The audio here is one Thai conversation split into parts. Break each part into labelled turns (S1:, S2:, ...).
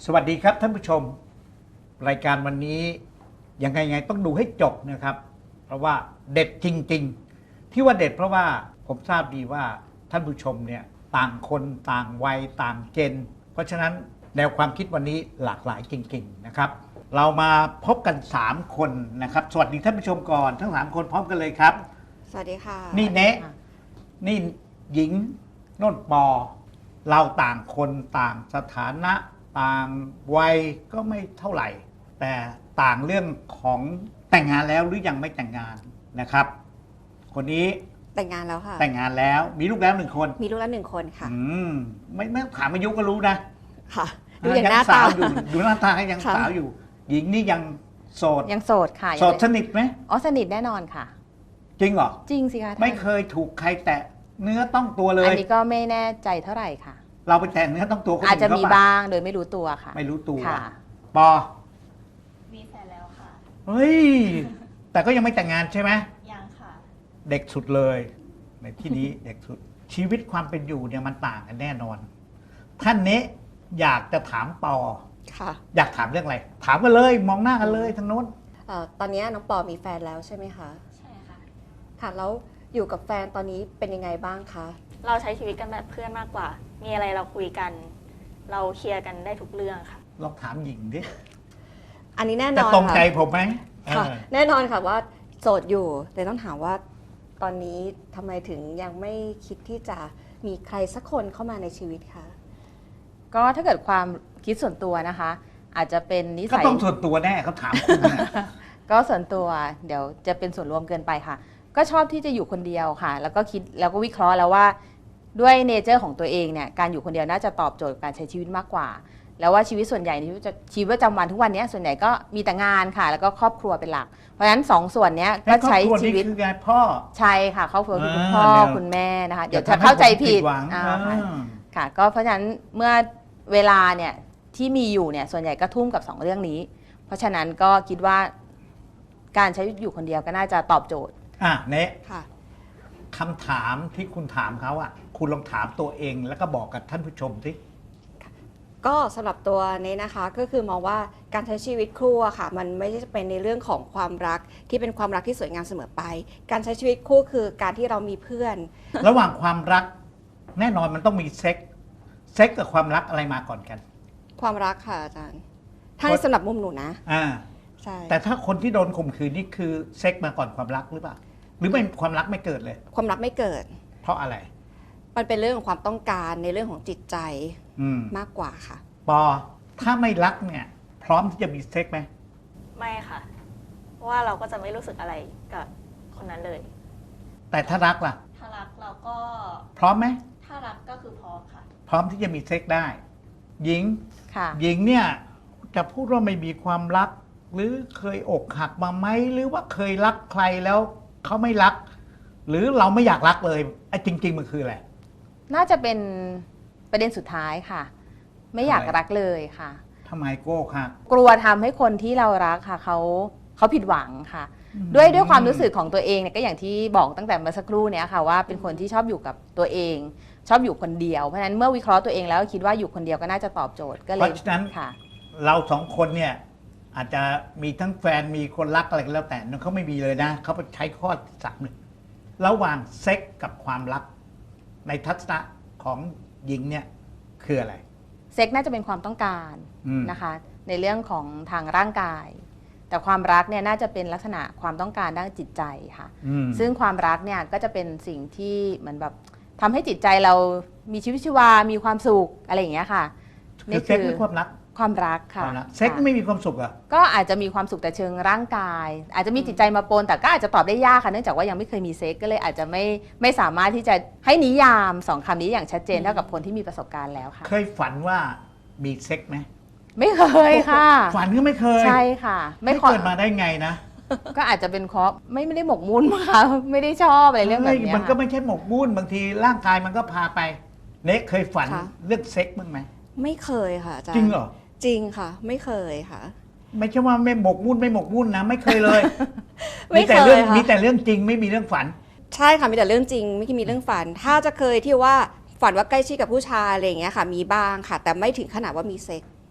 S1: สวัสดีครับท่านผู้ชมรายการวันนี้ยังไงต้องดูให้จบนะครับเพราะว่าเด็ดจริงๆที่ว่าเด็ดเพราะว่าผมทราบดีว่าท่านผู้ชมเนี่ยต่างคนต่างวัยต่างเจนเพราะฉะนั้นแนวความคิดวันนี้หลากหลายจริงๆนะครับเรามาพบกัน3คนนะครับสวัสดีท่านผู้ชมก่อนทั้ง3คนพร้อมกันเลยครับ
S2: สวัสดีค่ะ
S1: นี่เนะนี่หญิงโน่นปอเราต่างคนต่างสถานะต่างวัยก็ไม่เท่าไหร่แต่ต่างเรื่องของแต่งงานแล้วหรือยังไม่แต่งงานนะครับคนนี้
S2: แต่งงานแล้วค่ะ
S1: แต่งงานแล้วมีลูกแล้ว1 คน
S2: มีลูกแล้ว1 คนค่ะ
S1: ไม่ถามอายุก็รู้นะ
S2: ค่ะดูอย่างหน้าตา
S1: อยู่ดูหน้าตายังสาวอยู่หญิงนี่ยังโสด
S3: ยังโสดค่ะ
S1: โสดสนิทไหม
S3: อ๋อสนิทแน่นอนค่ะ
S1: จริงเหรอ
S3: จริงสิคะ
S1: ไม่เคยถูกใครแตะเนื้อต้องตัวเลย
S3: อันนี้ก็ไม่แน่ใจเท่าไหร่ค่ะ
S1: เราไปแตะเนื้อต้องตัวคนอื่น
S3: อาจจะมีบ้างโดยไม่รู้ตัวค่ะ
S1: ไม่รู้ตัว
S3: ค่ะ
S1: ปอ
S4: มีแฟนแล้วค่ะ
S1: เฮ้ยแต่ก็ยังไม่แต่งงานใช่ไหม
S4: ยังค่ะ
S1: เด็กสุดเลยในที่นี้ เด็กสุดชีวิตความเป็นอยู่เนี่ยมันต่างกันแน่นอนท่านนี้อยากจะถามปอ
S2: ค่ะ
S1: อยากถามเรื่องอะไรถามกันเลยมองหน้ากันเลยทางโน้น
S2: ตอนนี้น้องปอมีแฟนแล้วใช่ไหมคะ
S4: ใช่ค่ะ
S2: ค่ะแล้วอยู่กับแฟนตอนนี้เป็นยังไงบ้างคะ
S4: เราใช้ชีวิตกันแบบเพื่อนมากกว่ามีอะไรเราคุยกันเราเคลียร์กันได้ทุกเรื่องค่ะ
S1: ลองถามหญิงดิ
S2: อันนี้แน่นอน
S1: จะตรงใจผมไหม
S2: ค่ะแน่นอนค่ะว่าโสดอยู่แต่ต้องถามว่าตอนนี้ทำไมถึงยังไม่คิดที่จะมีใครสักคนเข้ามาในชีวิตคะ
S3: ก็ถ้าเกิดความคิดส่วนตัวนะคะอาจจะเป็นนิสัย
S1: ก็ต้องส่วนตัวแน่เขาถามคุณนะ
S3: ก็ส่วนตัวเดี๋ยวจะเป็นส่วนรวมเกินไปค่ะก็ชอบที่จะอยู่คนเดียวค่ะแล้วก็คิดแล้วก็วิเคราะห์แล้วว่าด้วยเนเจอร์ของตัวเองเนี่ยการอยู่คนเดียวน่าจะตอบโจทย์การใช้ชีวิตมากกว่าแล้วว่าชีวิตส่วนใหญ่ในชีวิตประจำวันทุกวันนี้ส่วนใหญ่ก็มีแต่งานค่ะแล้วก็ครอบครัวเป็นหลักเพราะฉะนั้น2 ส่วนนี้ก็ใช้ชีวิต
S1: คือยายพ่อ
S3: ใช่ค่ะครอบครัวคือคุณพ่อคุณแม่นะคะเดี๋ยวจะเข้าใจผิดค่ะก็เพราะฉะนั้นเมื่อเวลาเนี่ยที่มีอยู่เนี่ยส่วนใหญ่ก็ทุ่มกับ2 เรื่องนี้เพราะฉะนั้นก็คิดว่าการใช้อยู่คนเดียวก็น่าจะตอบโจทย์
S1: เนะ
S2: ค่ะ
S1: คำถามที่คุณถามเขาอ่ะคุณลองถามตัวเองแล้วก็บอกกับท่านผู้ชมสิ
S2: ก็สำหรับตัวนี้นะคะก็คือมองว่าการใช้ชีวิตคู่อะค่ะมันไม่ใช่เป็นในเรื่องของความรักที่เป็นความรักที่สวยงามเสมอไปการใช้ชีวิตคู่คือการที่เรามีเพื่อน
S1: ระหว่างความรักแน่นอนมันต้องมีเซ็กกับความรักอะไรมาก่อนกัน
S2: ความรักค่ะอาจารย์ถ้าสำหรับมุมหนูนะใช่
S1: แต่ถ้าคนที่โดนข่มขืนนี่คือเซ็กมาก่อนความรักหรือเปล่าหรือไม่ความรักไม่เกิดเลย
S2: ความรักไม่เกิด
S1: เพราะอะไร
S2: มันเป็นเรื่องของความต้องการในเรื่องของจิตใจมากกว่าค่ะ
S1: ปอถ้าไม่รักเนี่ยพร้อมที่จะมีเซ็กไหม
S4: ไม่ค่ะเพราะว่าเราก็จะไม่รู้สึกอะไรกับคนนั้นเลย
S1: แต่ถ้ารักล่ะ
S4: ถ้ารักเราก็
S1: พร้อมไหม
S4: ถ้ารักก็คือพร้อมค่ะ
S1: พร้อมที่จะมีเซ็กได้หญิง
S3: ค่ะ
S1: หญิงเนี่ยจะพูดว่าไม่มีความรักหรือเคยอกหักมาไหมหรือว่าเคยรักใครแล้วเขาไม่รักหรือเราไม่อยากรักเลยไอ้จริงๆมันคืออะไร
S3: น่าจะเป็นประเด็นสุดท้ายค่ะไม่อยากรักเลยค่ะ
S1: ทำไมโก้ค่ะ
S3: กลัวทำให้คนที่เรารักค่ะเขาผิดหวังค่ะด้วยความรู้สึกของตัวเองเนี่ยก็อย่างที่บอกตั้งแต่เมื่อสักครู่เนี่ยค่ะว่าเป็นคนที่ชอบอยู่กับตัวเองชอบอยู่คนเดียวเพราะฉะนั้นเมื่อวิเคราะห์ตัวเองแล้วคิดว่าอยู่คนเดียวก็น่าจะตอบโจทย์ก็เลย
S1: เพราะฉะนั้น
S3: ค่ะ
S1: เรา2 คนเนี่ยอาจจะมีทั้งแฟนมีคนรักอะไรก็แล้วแต่เขาไม่มีเลยนะเขาไปใช้ข้อที่3เลยระหว่างเซ็กกับความรักในทัศนะของหญิงเนี่ยคืออะไร
S3: เซ็กน่าจะเป็นความต้องการนะคะในเรื่องของทางร่างกายแต่ความรักเนี่ยน่าจะเป็นลักษณะความต้องการด้านจิตใจค่ะซึ่งความรักเนี่ยก็จะเป็นสิ่งที่เหมือนแบบทำให้จิตใจเรามีชีวิตชีวามีความสุขอะไรอย่างเงี้ยค่ะ
S1: นี่คือเซ็กหรือความรัก
S3: ความรักค่ะ
S1: เซ็กไม่มีความสุขอ่ะ
S3: ก็อาจจะมีความสุขแต่เชิงร่างกายอาจจะมีจิตใจมาปนแต่ก็อาจจะตอบได้ยากค่ะเนื่องจากว่ายังไม่เคยมีเซ็กก็เลยอาจจะไม่สามารถที่จะให้นิยาม2 คำนี้อย่างชัดเจนเท่ากับคนที่มีประสบการณ์แล้วค่ะ
S1: เคยฝันว่ามีเซ็กไหม
S3: ไม่เคยค่ะ
S1: ฝันก็ไม่เคย
S3: ใช่ค่ะ
S1: ไม่เกิดมาได้ไงนะ
S3: ก็อาจจะเป็นเพราะไม่ได้หมกมุ่นค่ะไม่ได้ชอบอะไรเรื่องแบบนี้
S1: มันก็ไม่ใช่หมกมุ่นบางทีร่างกายมันก็พาไปเนะเคยฝันเรื่องเซ็กบ้างไหม
S2: ไม่เคยค่ะอาจารย์
S1: จริงเหรอ
S2: จริงค่ะไม่เคยค่ะ
S1: ไม่ใช่ว่าไม่หมกมุ่นนะไม่เคยเลยมีแต่เรื่องจริงไม่มีเรื่องฝัน
S2: ใช่ค่ะมีแต่เรื่องจริงไม่มีเรื่องฝันถ้าจะเคยที่ว่าฝันว่าใกล้ชิดกับผู้ชายอะไรอย่างเงี้ยค่ะมีบ้างค่ะแต่ไม่ถึงขนาดว่ามีเซ็ก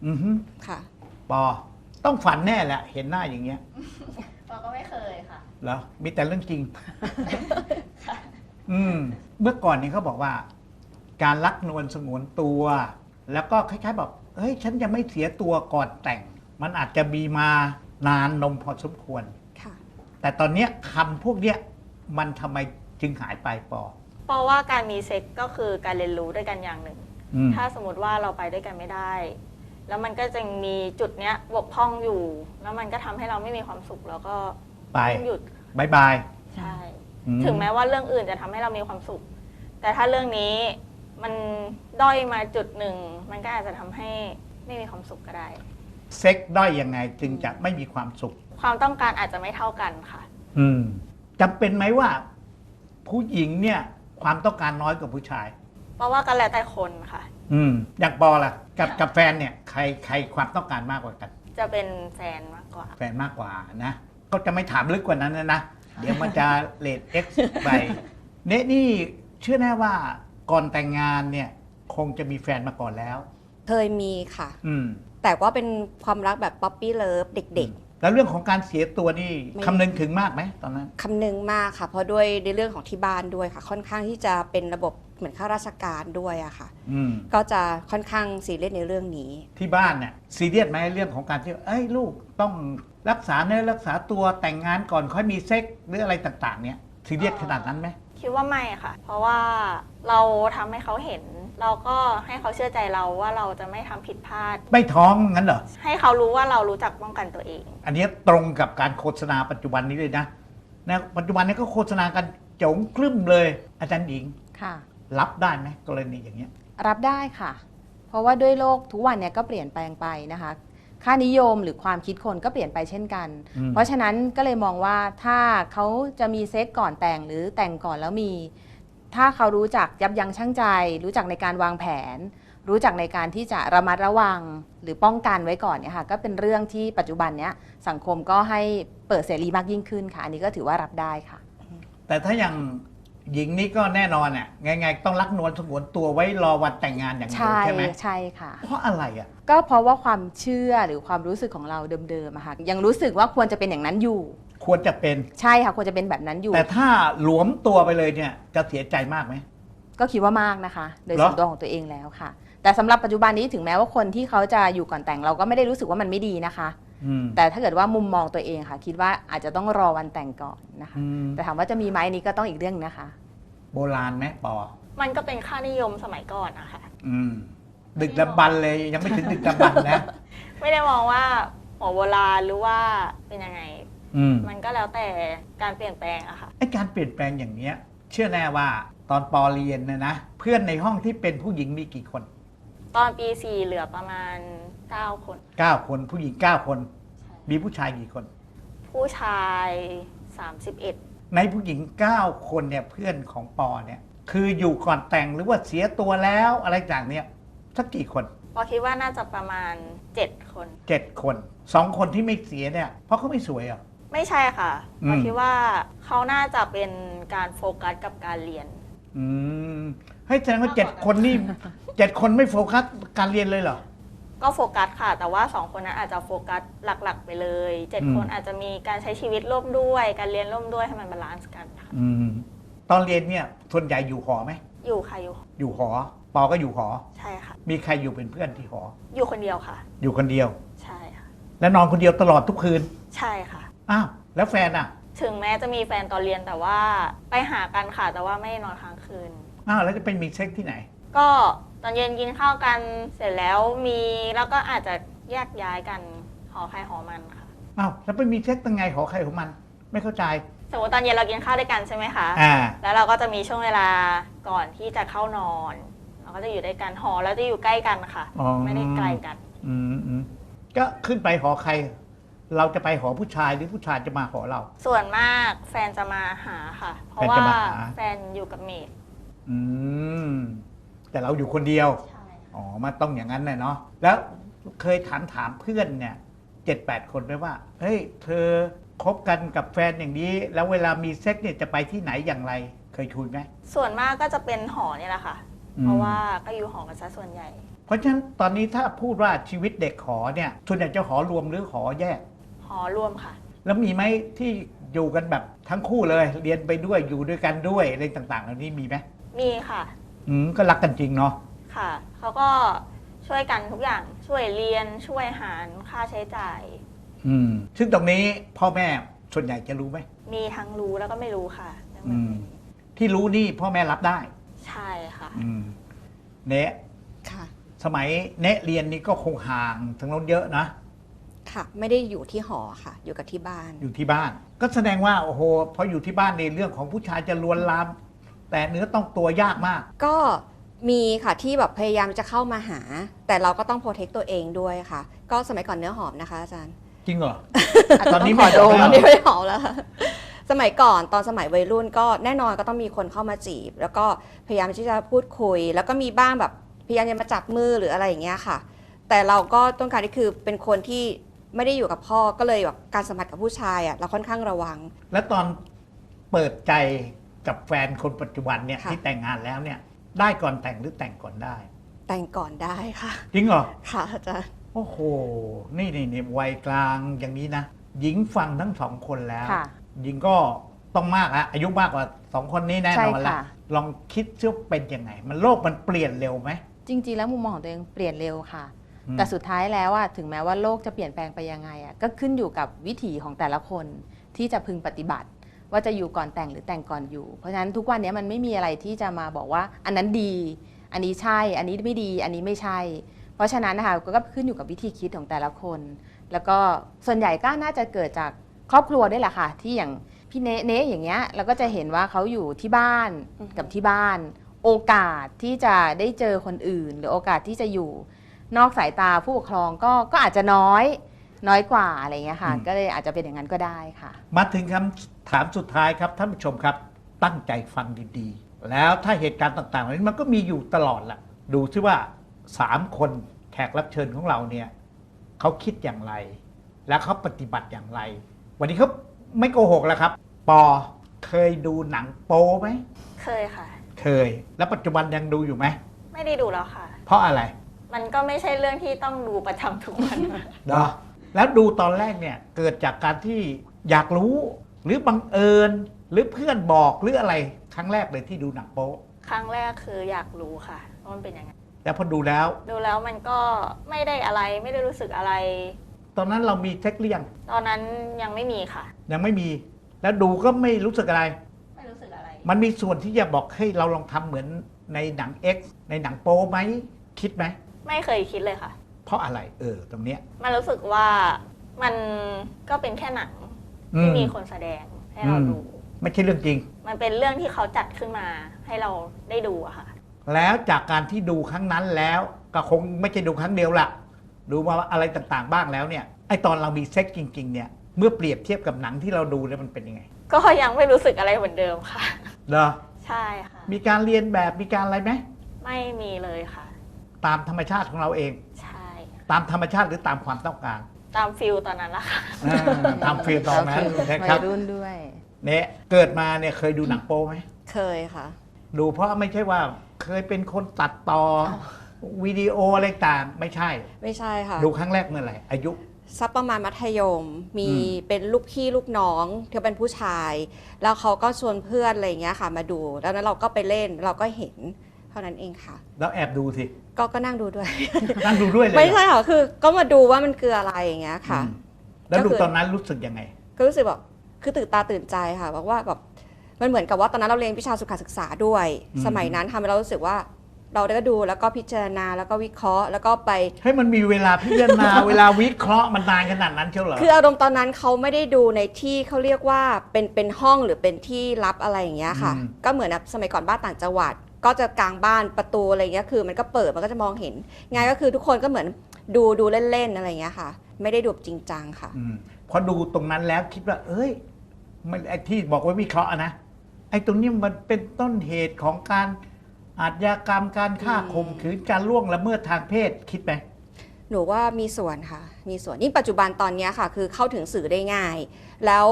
S1: อือฮึ
S2: ค่ะ
S1: ปอต้องฝันแน่แหละเห็นหน้าอย่างเงี้ย
S4: เราก็ไม่เคยค่ะ
S1: เหรอมีแต่เรื่องจริง เมื่อก่อนนี้เขาบอกว่า การรักนวลสงวนตัว แล้วก็คล้ายๆแบบเฮ้ยฉันจะไม่เสียตัวก่อนแต่ง มันอาจจะมีมานานนมพอสมควร
S2: ค่ะ
S1: แต่ตอนเนี้ยคำพวกเนี้ยมันทำไมจึงหายไปปอ
S4: เพราะว่าการมีเซ็กก็คือการเรียนรู้ด้วยกันอย่างหนึ่ง
S1: อืม
S4: ถ้าสมมติว่าเราไปด้วยกันไม่ได้ แล้วมันก็จะมีจุดเนี้ยบกพร่องอยู่ แล้วมันก็ทำให้เราไม่มีความสุขแล้วก็
S1: ไป
S4: ต้องหยุด
S1: บายบาย
S4: ใช่
S1: อืม
S4: ถึงแม้ว่าเรื่องอื่นจะทำให้เรามีความสุข แต่ถ้าเรื่องนี้มันด้อยมาจุดหนึ่ง มันก็อาจจะทำให้ไม่มีความสุขก็ได้
S1: เซ็กด้อยยังไงจึงจะไม่มีความสุข
S4: ความต้องการอาจจะไม่เท่ากันค่ะ
S1: จำเป็นไหมว่า ผู้หญิงเนี่ยความต้องการน้อยกว่าผู้ชาย
S4: เพราะว่าก็แล้วแต่คนค่ะ
S1: อย่างปอล่ะกับแฟนเนี่ยใครความต้องการมากกว่ากัน
S4: จะเป็นแฟนมากกว่า
S1: แฟนมากกว่านะ ก็จะไม่ถามลึกกว่านั้นนะ เดี๋ยวมันจะเลท X ไปนี่เชื่อแน่ว่าก่อนแต่งงานเนี่ย คงจะมีแฟนมาก่อนแล้ว
S2: เคยมีค่ะ
S1: อืม
S2: แต่ว่าเป็นความรักแบบป๊อปปี้เลิฟเด็ก
S1: แล้วเรื่องของการเสียตัวนี่
S2: ไม่
S1: คำนึงถึงมากไหมตอนนั้น
S2: ๆคำนึงมากค่ะ เพราะด้วยในเรื่องของที่บ้านด้วยค่ะ ค่อนข้างที่จะเป็นระบบเหมือนข้าราชการด้วยอะค่ะ
S1: อืม
S2: ก็จะค่อนข้างซีเรียสในเรื่องนี้
S1: ที่บ้านเนี่ยซีเรียสไหมเรื่องของการที่เอ้ยลูกต้องรักษาเนื้อรักษาตัวแต่งงานก่อนค่อยมีเซ็กหรืออะไรต่างๆ เนี่ยซีเรียสขนาดนั้นไหม
S4: คิดว่าไม่ค่ะ เพราะว่าเราทำให้เขาเห็น เราก็ให้เขาเชื่อใจเราว่าเราจะไม่ทำผิดพลาด
S1: ไม่ท้องงั้นเหรอ
S4: ให้เขารู้ว่าเรารู้จักป้องกันตัวเอง
S1: อันนี้ตรงกับการโฆษณาปัจจุบันนี้เลยนะปัจจุบันนี้ก็โฆษณากันโจงคลึ้มเลย อาจารย์หญิง
S3: ค่ะ
S1: รับได้ไหมกรณีอย่างเงี้ย
S3: รับได้ค่ะ เพราะว่าด้วยโลกทุกวันเนี่ยก็เปลี่ยนแปลงไปนะคะ ค่านิยมหรือความคิดคนก็เปลี่ยนไปเช่นกัน
S1: อืม
S3: เพราะฉะนั้นก็เลยมองว่าถ้าเขาจะมีเซ็กก่อนแต่งหรือแต่งก่อนแล้วมี ถ้าเขารู้จักยับยั้งชั่งใจ รู้จักในการวางแผน รู้จักในการที่จะระมัดระวังหรือป้องกันไว้ก่อนเนี่ยค่ะก็เป็นเรื่องที่ปัจจุบันเนี้ยสังคมก็ให้เปิดเสรีมากยิ่งขึ้นค่ะ อันนี้ก็ถือว่ารับได้ค่ะ
S1: แต่ถ้าอย่างหญิงนี่ก็แน่นอนอ่ะไงๆต้องรักนวลสงวนตัวไว้รอวันแต่งงานอย่างเดียว
S3: ใช่
S1: ใช่ไหม
S3: ใช่ค่ะ
S1: เพราะอะไรอ่ะ
S3: ก็เพราะว่าความเชื่อหรือความรู้สึกของเราเดิมๆอะค่ะยังรู้สึกว่าควรจะเป็นอย่างนั้นอยู่
S1: ควรจะเป็น
S3: ใช่ค่ะควรจะเป็นแบบนั้นอยู่
S1: แต่ถ้าหลวมตัวไปเลยเนี่ยจะเสียใจมากไหม
S3: ก็คิดว่ามากนะคะ โดย
S1: เหรอ
S3: ส่วนตัวของตัวเองแล้วค่ะ แต่สำหรับปัจจุบันนี้ถึงแม้ว่าคนที่เขาจะอยู่ก่อนแต่งเราก็ไม่ได้รู้สึกว่ามันไม่ดีนะคะ
S1: อืม
S3: แต่ถ้าเกิดว่ามุมมองตัวเองค่ะ คิดว่าอาจจะต้องรอวันแต่งก่อนนะคะ
S1: อืม
S3: แต่ถามว่าจะมีไหมอันนี้ก็ต้องอีกเรื่องนะคะ
S1: โบราณไหมปอ
S4: มันก็เป็นค่านิยมสมัยก่อนนะคะ
S1: ดึกดำบรรพ์เลยยังไม่ถึงดึกดำบรรพ์นะ
S4: ไม่ได้มองว่าหัวโบราณหรือว่าเป็นยังไง มันก็แล้วแต่การเปลี่ยนแปลงอะค่ะ
S1: ไอ้การเปลี่ยนแปลงอย่างเนี้ย เชื่อแน่ว่าตอนปอเรียนนะเพื่อนในห้องที่เป็นผู้หญิงมีกี่คน
S4: ตอนปี 4 เหลือประมาณ 9 คน
S1: 9 คนผู้หญิง 9 คน มีผู้ชายกี่คน
S4: ผู้ชาย 31
S1: ในผู้หญิง 9 คนเนี่ยเพื่อนของปอเนี่ย คืออยู่ก่อนแต่งหรือว่าเสียตัวแล้วอะไรต่างเนี่ยสักกี่คน
S4: พอคิดว่าน่าจะประมาณ 7 คน
S1: 7 คน 2 คนที่ไม่เสียเนี่ยเพราะเขาไม่สวยเหรอ่ะ
S4: ไม่ใช่ค่ะ
S1: อืม
S4: พอคิดว่าเขาน่าจะเป็นการโฟกัสกับการเรียน
S1: ให้แสดงว่า7 คนนี่ 7 คนไม่โฟกัสการเรียนเลยเหรอ
S4: ก็โฟกัสค่ะ แต่ว่า 2 คนนั้นอาจจะโฟกัสหลักๆ ไปเลย 7 คนอาจจะมีการใช้ชีวิตร่วมด้วย การเรียนร่วมด้วยให้มันบาลานซ์กันค่ะ
S1: ตอนเรียนเนี่ยส่วนใหญ่อยู่หอไหม
S4: อยู่ค่ะอยู่
S1: อยู่หอ ปอก็อยู่หอ
S4: ใช่ค่ะ
S1: มีใครอยู่เป็นเพื่อนที่หอ
S4: อยู่คนเดียวค่ะ
S1: อยู่คนเดียว
S4: ใช่ค่ะ
S1: และนอนคนเดียวตลอดทุกคืน
S4: ใช่ค่ะ
S1: อ้าวแล้วแฟนอ่ะ
S4: ถึงแม้จะมีแฟนตอนเรียนแต่ว่าไปหากันค่ะ แต่ว่าไม่ได้นอนค้างคืน
S1: อ้าวแล้วจะไปมีเซ็กที่ไหน
S4: ก็ตอนเย็นกินข้าวกันเสร็จแล้วมีแล้วก็อาจจะแยกย้ายกันหอใครหอมันค่ะ
S1: อ้าวแล้วไปมีเซ็กตั้งไงหอใครของมัน ไม่เข้าใจ
S4: สมมติตอนเย็นเรากินข้าวด้วยกันใช่ไหมคะ
S1: อ่า
S4: แล้วเราก็จะมีช่วงเวลาก่อนที่จะเข้านอน เราก็จะอยู่ด้วยกันหอแล้วจะอยู่ใกล้กันค่ะ
S1: อ๋อ
S4: ไม่ได้ไกลกัน
S1: ก็ขึ้นไปหอใคร เราจะไปหอผู้ชายหรือผู้ชายจะมาหอเรา
S4: ส่วนมากแฟนจะมาหาค่ะ เพราะ
S1: แฟน
S4: ว่า
S1: จะมาหา
S4: แฟนอยู่กับเมด
S1: อืมแต่เราอยู่คนเดียว
S4: ใช่
S1: อ๋อมาต้องอย่างนั้นเลยเนาะแล้วเคยถามเพื่อนเนี่ย7-8 คนไหมว่าเฮ้ยเธอคบกันกับแฟนอย่างนี้ แล้วเวลามีเซ็กเนี่ยจะไปที่ไหนอย่างไร เคยคุยไหม
S4: ส่วนมากก็จะเป็นหอนี่แหละค่ะ
S1: อืม
S4: เพราะว่าก็อยู่หอกันซะส่วนใหญ่
S1: เพราะฉะนั้นตอนนี้ถ้าพูดว่าชีวิตเด็กหอเนี่ยส่วนใหญ่จะหอรวมหรือหอแยก
S4: หอรวมค่ะ
S1: แล้วมีไหมที่อยู่กันแบบทั้งคู่เลยเรียนไปด้วยอยู่ด้วยกันด้วยอะไรต่างๆเหล่านี้มีไหม
S4: มีค่ะ
S1: ก็รักกันจริงเนาะ
S4: ค่ะเขาก็ช่วยกันทุกอย่างช่วยเรียนช่วยหารค่าใช้จ่าย
S1: ซึ่งตรงนี้พ่อแม่ส่วนใหญ่จะรู้ไหม
S4: มีทั้งรู้แล้วก็ไม่รู้ค่ะ
S1: ที่รู้นี่พ่อแม่รับได้
S4: ใช่ค่ะ
S1: เนะ
S2: ค่ะ
S1: สมัยเนะเรียนนี่ก็คงห่างทางโน้นเยอะนะ
S2: ค่ะไม่ได้อยู่ที่หอค่ะ อยู่กับที่บ้าน
S1: อยู่ที่บ้าน ก็แสดงว่าโอ้โหพออยู่ที่บ้านในเรื่องของผู้ชายจะลวนลาม แต่เนื้อต้องตัวยากมาก
S2: ก็มีค่ะที่แบบพยายามจะเข้ามาหา แต่เราก็ต้องโปรเทคตัวเองด้วยค่ะ ก็สมัยก่อนเนื้อหอมนะคะอาจารย์
S1: จริงเหรอ
S3: ตอนนี้
S2: ขอโดม
S1: ไม่
S2: อันนี้ไม่หอมแล้วค่ะสมัยก่อนตอนสมัยวัยรุ่นก็แน่นอนก็ต้องมีคนเข้ามาจีบ แล้วก็พยายามที่จะพูดคุย แล้วก็มีบ้างแบบพยายามจะมาจับมือหรืออะไรอย่างเงี้ยค่ะ แต่เราก็ต้องการที่คือเป็นคนที่ไม่ได้อยู่กับพ่อก็เลยแบบการสัมผัสกับผู้ชายอ่ะเราค่อนข้างระวัง
S1: และตอนเปิดใจกับแฟนคนปัจจุบันเนี่ย
S2: ค่ะ
S1: ที่แต่งงานแล้วเนี่ย ได้ก่อนแต่งหรือแต่งก่อนได้
S2: แต่งก่อนได้ค่ะ
S1: จริงเหรอ
S2: ค่ะอาจารย์
S1: โอ้โห นี่วัยกลางอย่างนี้นะ หญิงฟังทั้งสองคนแล้ว
S3: ค่ะ
S1: หญิงก็ต้องมากแล้วอายุมากกว่าสองคนนี้แน่นอน
S3: ใช่
S1: แล้ว
S3: ค่ะ
S1: ลองคิดซิว่าเป็นยังไง มันโลกมันเปลี่ยนเร็วไหม
S3: จริงๆ แล้วมุมมองของตัวเองเปลี่ยนเร็วค่ะ
S1: อืม
S3: แต่สุดท้ายแล้วอะถึงแม้ว่าโลกจะเปลี่ยนแปลงไปยังไงอะก็ขึ้นอยู่กับวิถีของแต่ละคนที่จะพึงปฏิบัติ ว่าจะอยู่ก่อนแต่งหรือแต่งก่อนอยู่ เพราะฉะนั้นทุกวันนี้มันไม่มีอะไรที่จะมาบอกว่าอันนั้นดี อันนี้ใช่ อันนี้ไม่ดี อันนี้ไม่ใช่ เพราะฉะนั้นนะคะก็ขึ้นอยู่กับวิธีคิดของแต่ละคน แล้วก็ส่วนใหญ่ก็น่าจะเกิดจากครอบครัวด้วยแหละค่ะที่อย่างพี่เนะอย่างเงี้ยเราก็จะเห็นว่าเขาอยู่ที่บ้าน
S2: อือฮึ
S3: กับที่บ้าน โอกาสที่จะได้เจอคนอื่น หรือโอกาสที่จะอยู่นอกสายตาผู้ปกครองก็อาจจะน้อยกว่าอะไรเงี้ยค่ะ ก็เลยอาจจะเป็นอย่างนั้นก็ได้ค่ะ
S1: มาถึงคำถามสุดท้ายครับท่านผู้ชมครับ ตั้งใจฟังดีๆ แล้วถ้าเหตุการณ์ต่างๆเหล่านี้มันก็มีอยู่ตลอดแหละดูซิว่า3คนแขกรับเชิญของเราเนี่ยเขาคิดอย่างไร และเขาปฏิบัติอย่างไร วันนี้เขาไม่โกหกแล้วครับ ปอเคยดูหนังโป๊ไหม
S4: เคยค่ะ
S1: เคย แล้วปัจจุบันยังดูอยู่ไหม
S4: ไม่ได้ดูแล้วค่ะ
S1: เพราะอะไร
S4: มันก็ไม่ใช่เรื่องที่ต้องดูประจำทุกวัน
S1: เนาะแล้วดูตอนแรกเนี่ยเกิดจากการที่อยากรู้ หรือบังเอิญหรือเพื่อนบอกหรืออะไรครั้งแรกเลยที่ดูหนังโป๊
S4: ครั้งแรกคืออยากรู้ค่ะว่ามันเป็นยังไง
S1: แล้วพอดูแล้ว
S4: ดูแล้วมันก็ไม่ได้อะไรไม่ได้รู้สึกอะไร
S1: ตอนนั้นเรามีเทคเรียง
S4: ตอนนั้นยังไม่มีค่ะ
S1: ยังไม่มี แล้วดูก็ไม่รู้สึกอะไร
S4: ไม่รู้สึกอะไร
S1: มันมีส่วนที่จะบอกให้เราลองทำเหมือนในหนัง X ในหนังโป๊ไหมคิดไหม
S4: ไม่เคยคิดเลยค่ะ
S1: เพราะอะไรตรงเนี้ย
S4: มันรู้สึกว่ามันก็เป็นแค่หนัง
S1: อื
S4: ที่
S1: ม
S4: มีคนแสดงให้เราดู
S1: ไม่ใช่เรื่องจริง
S4: มันเป็นเรื่องที่เขาจัดขึ้นมาให้เราได้ดูอะค่ะ
S1: แล้วจากการที่ดูครั้งนั้นแล้วก็คงไม่ใช่ดูครั้งเดียวละดูมาอะไรต่างๆบ้างแล้วเนี่ยไอตอนเรามีเซ็กจริงๆเนี่ยเมื่อเปรียบเทียบกับหนังที่เราดูแล้วมันเป็นยังไง
S4: ก็ยังไม่รู้สึกอะไรเหมือนเดิมค่ะ
S1: เหรอ
S4: ใช่ค่ะ
S1: มีการเรียนแบบมีการอะไรไหม
S4: ไม่มีเลยค่ะ
S1: ตามธรรมชาติของเราเอง
S4: ใช่
S1: ตามธรรมชาติหรือตามความต้องการ
S4: ตามฟิลตอนนั้นละค่ะ
S1: ตามฟิลตอนนั้นนะค
S3: วั
S1: รับ
S3: ยรุ่นด้วย
S1: เนี่ยเกิดมาเนี่ยเคยดูหนังโป๊ไหม
S2: เคยค่ะ
S1: ดูเพราะไม่ใช่ว่าเคยเป็นคนตัดต่อวิดีโออะไรต่างไม่ใช่
S2: ไม่ใช่ค่ะ
S1: ดูครั้งแรกเมื่อไหร่อายุ
S2: สักประมาณมัธยม มี
S1: อืม
S2: เป็นลูกพี่ลูกน้องที่เป็นผู้ชาย แล้วเขาก็ชวนเพื่อนอะไรอย่างเงี้ยค่ะ มาดู แล้วนั้นเราก็ไปเล่นเราก็เห็นเท่านั้นเองค่ะ
S1: แล้วแอบดูสิ
S2: ก็นั่งดูด้วย
S1: นั่งดูด้วยเลย
S2: ไม่
S1: เหรอ
S2: ใช่ค่ะคือก็มาดูว่ามันคืออะไรอย่างเงี้ยค่ะ
S1: อืมแล้วดู
S2: ก็คือ
S1: ตอนนั้นรู้สึกยังไง
S2: ก็รู้สึกแบบคือตื่นตาตื่นใจค่ะบอกว่าแบบมันเหมือนกับว่าตอนนั้นเราเรียนวิชาสุขศึกษาด้วย
S1: อืม
S2: สมัยนั้นทำให้เรารู้สึกว่า เราได้ก็ดูแล้วก็พิจารณาแล้วก็วิเคราะห์แล้วก็ไป
S1: ให้มันมีเวลาพิจารณา เวลาวิเคราะห์มันนานขนาดนั้นเชียวเหรอ
S2: คืออารมณ์ตอนนั้นเขาไม่ได้ดูในที่เขาเรียกว่าเป็นห้องหรือเป็นที่ลับอะไรอย่างเงี้ยค่ะ ก็เหมือนแบบสมัยก่อนบ้านต่างจังหวัด ก็จะกลางบ้านประตูอะไรเงี้ยคือมันก็เปิดมันก็จะมองเห็นไงก็คือทุกคนก็เหมือนดูเล่นๆอะไรเงี้ยค่ะ ไม่ได้ดูจริงจังค่ะ
S1: พอดูตรงนั้นแล้วคิดว่า เอ้ยมันไอ้ที่บอกว่าวิเคราะห์อะนะไอ้ตรงนี้มันเป็นต้นเหตุของการอาชญากรรมการฆ่าข่มขืนการล่วงละเมิดทางเพศคิดไหม
S2: หนูว่ามีส่วนค่ะ มีส่วนยิ่งปัจจุบันตอนเนี้ยค่ะ คือเข้าถึงสื่อได้ง่าย แล้ว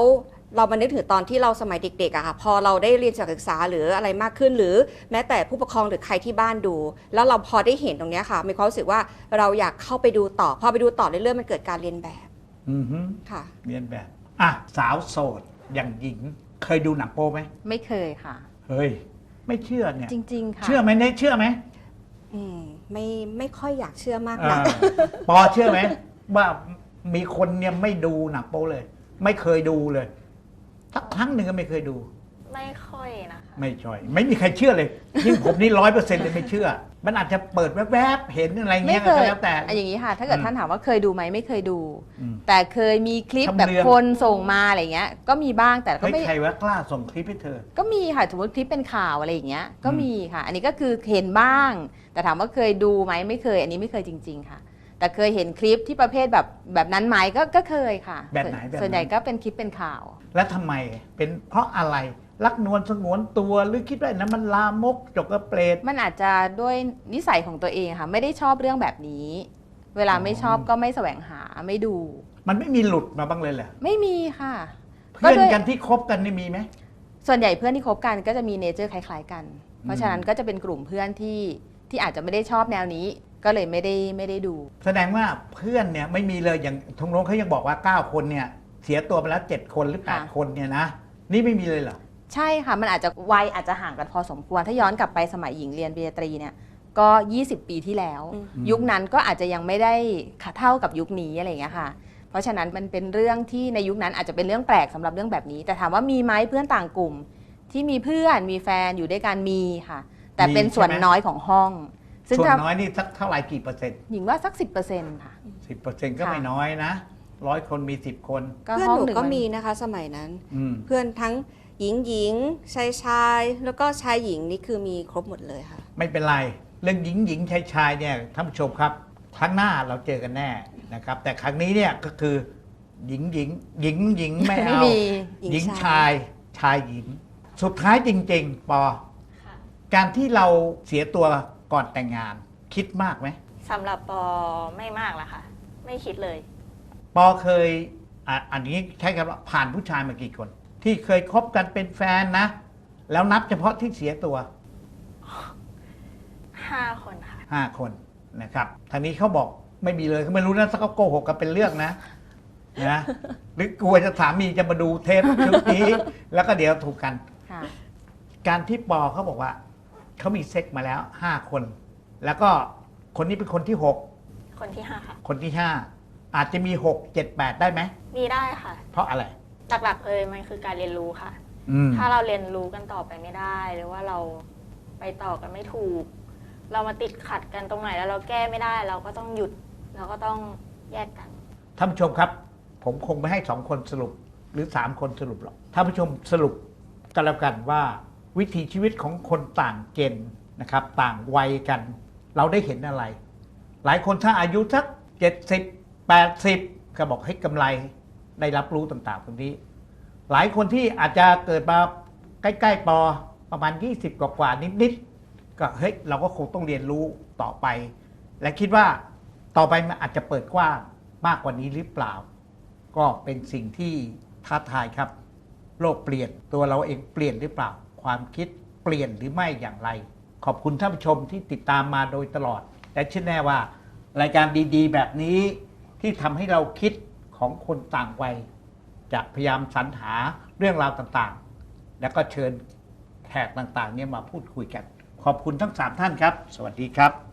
S2: เรามานึกถึงตอนที่เราสมัยเด็กๆอะค่ะพอเราได้เรียนศึกษาหรืออะไรมากขึ้น หรือแม้แต่ผู้ปกครองหรือใครที่บ้านดู แล้วเราพอได้เห็นตรงเนี้ยค่ะมีความรู้สึกว่าเราอยากเข้าไปดูต่อพอไปดูต่อเรื่อยๆมันเกิดการเรียนแบบ
S1: อือฮึ
S2: ค่ะ
S1: เรียนแบบอ่ะสาวโสดอย่างหญิงเคยดูหนังโป๊ไหม
S3: ไม่เคยค่ะ
S1: เฮ้ยไม่เชื่อเนี่ย
S3: จริง ๆ ค่ะ
S1: เชื่อไหมเนี่ยเชื่อไหม
S2: ไม่ค่อยอยากเชื่อมาก
S1: อ่า
S2: นะ
S1: ปอเชื่อไหมว่ามีคนเนี่ยไม่ดูหนังโป๊เลย ไม่เคยดูเลยสักครั้งหนึ่งก็ไม่เคยดู
S4: ไม่ค่อยนะคะ
S1: ไม่ช่อย ไม่มีใครเชื่อเลยยิ่งผมนี่100%เลยไม่เชื่อ มันอาจจะเปิดแวบๆเห็นอะไร
S3: ไม่
S1: เงี้ย
S3: เค
S1: ก็
S3: ย
S1: แล้วแต่
S3: อย่างนี้ค่ะ ถ้าเกิดท่านถามว่าเคยดูไหมไม่เคยดู
S1: อืม
S3: แต่เคยมีคลิป
S1: ทำ
S3: แบบ
S1: เรื่อง
S3: คนส่งมาอะไรเงี้ย ก็มีบ้างแต่ก็
S1: เฮ้ย
S3: ไม่
S1: ใครว่ากล้าส่งคลิปให้เธอ
S3: ก็มีค่ะสมมติคลิปเป็นข่าวอะไรอย่างเงี้ยก็
S1: อืม
S3: มีค่ะ อันนี้ก็คือเห็นบ้าง แต่ถามว่าเคยดูไหมไม่เคย อันนี้ไม่เคยจริง ๆ ค่ะ แต่เคยเห็นคลิปที่ประเภทแบบนั้นไหมก็เคยค่ะ
S1: แบบไหนแบบ
S3: ส่วนใหญ่
S1: นั้น
S3: ก็เป็นคลิปเป็นข่าว
S1: แล้วทำไมเป็นเพราะอะไรรักนวลสงวนตัวหรือคิดว่านั้นมันลามกจกกระเปรต
S3: มันอาจจะด้วยนิสัยของตัวเองค่ะ ไม่ได้ชอบเรื่องแบบนี้ เวลาไม่ชอบก็ไม่แสวงหาไม่ดู
S1: มันไม่มีหลุดมาบ้างเลยเหรอ
S3: ไม่มีค่ะ
S1: เพื่อน
S3: ด้วย
S1: กันที่คบกันนี่มีไหม
S3: ส่วนใหญ่เพื่อนที่คบกันก็จะมีเนเจอร์คล้ายๆกัน เพราะฉะนั้นก็จะเป็นกลุ่มเพื่อนที่อาจจะไม่ได้ชอบแนวนี้ ก็เลยไม่ได้ดู
S1: แสดงว่าเพื่อนเนี่ยไม่มีเลยอย่างทงโน้งเขายังบอกว่า 9 คนเนี่ยเสียตัวไปแล้ว7 คนหรือ
S3: ค่ะ
S1: 8 คนเนี่ยนะนี่ไม่มีเลยเหรอ
S3: ใช่ค่ะ มันอาจจะวัยอาจจะห่างกันพอสมควร ถ้าย้อนกลับไปสมัยหญิงเรียนปริญญาตรีเนี่ยก็ 20 ปีที่แล้ว
S2: อืม
S3: ยุคนั้นก็อาจจะยังไม่ได้เท่ากับยุคนี้อะไรอย่างเงี้ยค่ะ เพราะฉะนั้นมันเป็นเรื่องที่ในยุคนั้นอาจจะเป็นเรื่องแปลกสำหรับเรื่องแบบนี้ แต่ถามว่ามีไหมเพื่อนต่างกลุ่ม ที่มีเพื่อนมีแฟนอยู่ด้วยกันมีค่ะ แต่เป็นส่วน
S1: มีใช่ไหม
S3: น้อยของห้อง ซึ่ง
S1: ส่วน
S3: ถ้า
S1: น้อยนี่สักเท่าไหร่กี่เปอร์เซ็นต์
S3: หญิงว่าสัก 10%ค่ะ
S1: 10%ก็
S3: ค่ะ
S1: ไม่น้อยนะ100 คนมี 10 คน
S2: เพื่อน
S3: ห้อง
S2: หนู
S3: ง
S2: ก็มีนะคะสมัยนั้น
S1: อืม
S2: เพื่อนทั้งหญิงชายแล้วก็ชายหญิงนี่คือมีครบหมดเลยค่ะ
S1: ไม่เป็นไร เรื่องหญิงชายเนี่ยท่านผู้ชมครับ ครั้งหน้าเราเจอกันแน่นะครับ แต่ครั้งนี้เนี่ยก็คือหญิงไม่
S3: ไม่
S1: เอา
S3: มี
S1: หญิงชายหญิง สุดท้ายจริง ๆ ปอ
S4: ค่ะ
S1: การที่เราเสียตัวก่อนแต่งงาน คิดมากไหม
S4: สำหรับปอไม่มากละค่ะ ไม่คิดเลย
S1: ปอเคยอันนี้ใช้คำว่าผ่านผู้ชายมากี่คน ที่เคยคบกันเป็นแฟนนะ แล้วนับเฉพาะที่เสียตัว
S4: 5 คนค่ะ
S1: 5 คนนะครับทางนี้เขาบอกไม่มีเลยเขาไม่รู้นะถ้าเขาโกหกกันเป็นเรื่องนะหรือกลัวจะสามีจะมาดูเทปชุดนี้ แล้วก็เดี๋ยวถูกกัน
S3: ค่ะ
S1: การที่ปอเขาบอกว่าเขามีเซ็กมาแล้ว 5 คน แล้วก็คนนี้เป็นคนที่
S4: คนที่ 5 ค่ะ
S1: 6 คนที่ 5 อาจจะมี 6 7 8 ได้ไหม
S4: มีได้ค่ะ
S1: เพราะอะไร
S4: หลักๆเลยมันคือการเรียนรู้ค่ะ
S1: อืม
S4: ถ้าเราเรียนรู้กันต่อไปไม่ได้ หรือว่าเราไปต่อกันไม่ถูก เรามาติดขัดกันตรงไหนแล้วเราแก้ไม่ได้ เราก็ต้องหยุด เราก็ต้องแยกกัน
S1: ท่านผู้ชมครับ ผมคงไม่ให้2 คนสรุปหรือ 3 คนสรุปหรอกท่านผู้ชมสรุปกันแล้วกันว่า วิถีชีวิตของคนต่างเจนนะครับ ต่างวัยกัน เราได้เห็นอะไร หลายคนถ้าอายุสัก70 80ก็บอกให้กำไรได้รับรู้ต่างๆตรงนี้ หลายคนที่อาจจะเกิดมาใกล้ๆปอประมาณ20กว่าๆนิดๆก็เฮ้ยเราก็คงต้องเรียนรู้ต่อไป และคิดว่าต่อไปมันอาจจะเปิดกว้างมากกว่านี้หรือเปล่า ก็เป็นสิ่งที่ท้าทายครับ โลกเปลี่ยนตัวเราเองเปลี่ยนหรือเปล่า ความคิดเปลี่ยนหรือไม่อย่างไร ขอบคุณท่านผู้ชมที่ติดตามมาโดยตลอด และเชื่อแน่ว่ารายการดีๆ แบบนี้ที่ทำให้เราคิดของคนต่างวัยจะพยายามสรรหาเรื่องราวต่างๆ แล้วก็เชิญแขกต่างๆเนี่ยมาพูดคุยกัน ขอบคุณทั้ง 3 ท่านครับ สวัสดีครับ